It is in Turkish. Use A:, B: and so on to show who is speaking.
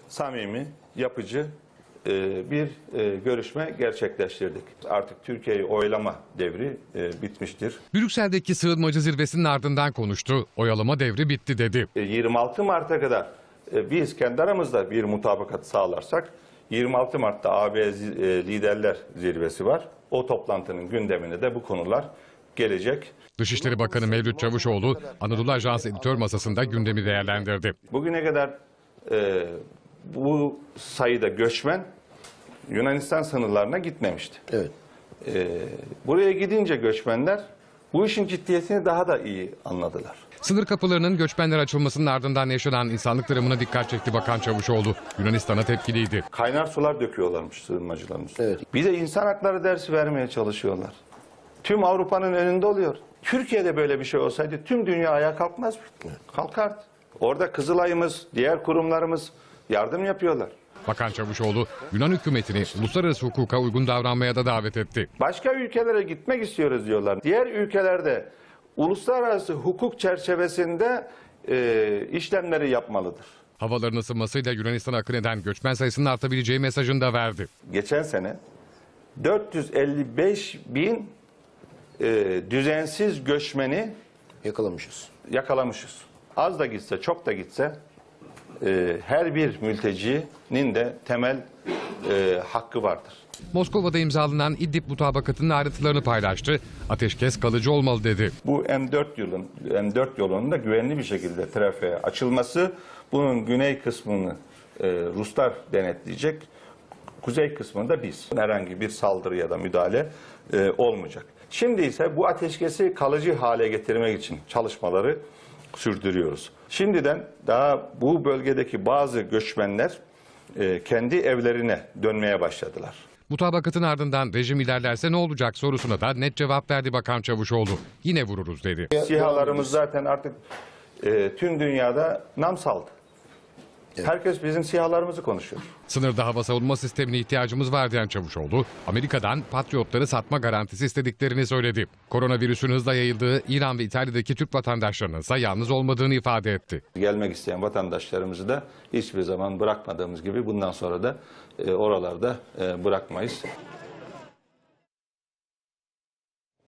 A: samimi, yapıcı bir görüşme gerçekleştirdik. Artık Türkiye'yi oylama devri bitmiştir.
B: Brüksel'deki sığınmacı zirvesinin ardından konuştu. Oyalama devri bitti dedi.
A: 26 Mart'a kadar biz kendi aramızda bir mutabakat sağlarsak 26 Mart'ta AB Liderler Zirvesi var. O toplantının gündemine de bu konular gelecek.
B: Dışişleri Bakanı Mevlüt Çavuşoğlu Anadolu Ajansı editör masasında gündemi değerlendirdi.
A: Bugüne kadar bu sayıda göçmen Yunanistan sınırlarına gitmemişti.
C: Evet.
A: Buraya gidince göçmenler bu işin ciddiyetini daha da iyi anladılar.
B: Sınır kapılarının göçmenler açılmasının ardından yaşanan insanlık dramına dikkat çekti Bakan Çavuşoğlu. Yunanistan'a tepkiliydi.
A: Kaynar sular döküyorlarmış sığınmacılarımız.
C: Evet.
A: Bir de insan hakları dersi vermeye çalışıyorlar. Tüm Avrupa'nın önünde oluyor. Türkiye'de böyle bir şey olsaydı tüm dünya ayağa kalkmaz mı? Kalkardı. Orada Kızılay'ımız, diğer kurumlarımız yardım yapıyorlar.
B: Bakan Çavuşoğlu Yunan hükümetini uluslararası hukuka uygun davranmaya da davet etti.
A: Başka ülkelere gitmek istiyoruz diyorlar. Diğer ülkelerde uluslararası hukuk çerçevesinde işlemleri yapmalıdır.
B: Havaların ısınmasıyla Yunanistan'a akın eden göçmen sayısının artabileceği mesajını da verdi.
A: Geçen sene 455 bin düzensiz göçmeni yakalamışız. Az da gitse, çok da gitse her bir mültecinin de temel hakkı vardır.
B: Moskova'da imzalanan İdlib mutabakatının ayrıntılarını paylaştı. Ateşkes kalıcı olmalı dedi.
A: Bu M4 yolunun da güvenli bir şekilde trafiğe açılması, bunun güney kısmını Ruslar denetleyecek, kuzey kısmında biz. Herhangi bir saldırı ya da müdahale olmayacak. Şimdi ise bu ateşkesi kalıcı hale getirmek için çalışmaları sürdürüyoruz. Şimdiden daha bu bölgedeki bazı göçmenler kendi evlerine dönmeye başladılar.
B: Mutabakatın ardından rejim ilerlerse ne olacak sorusuna da net cevap verdi Bakan Çavuşoğlu. Yine vururuz dedi.
A: SİHA'larımız zaten artık tüm dünyada nam saldı. Evet. Herkes bizim SİHA'larımızı konuşuyor.
B: Sınırda hava savunma sistemine ihtiyacımız var diyen Çavuşoğlu, Amerika'dan Patriotları satma garantisi istediklerini söyledi. Koronavirüsün hızla yayıldığı İran ve İtalya'daki Türk vatandaşlarının ise yalnız olmadığını ifade etti.
A: Gelmek isteyen vatandaşlarımızı da hiçbir zaman bırakmadığımız gibi bundan sonra da oralarda bırakmayız.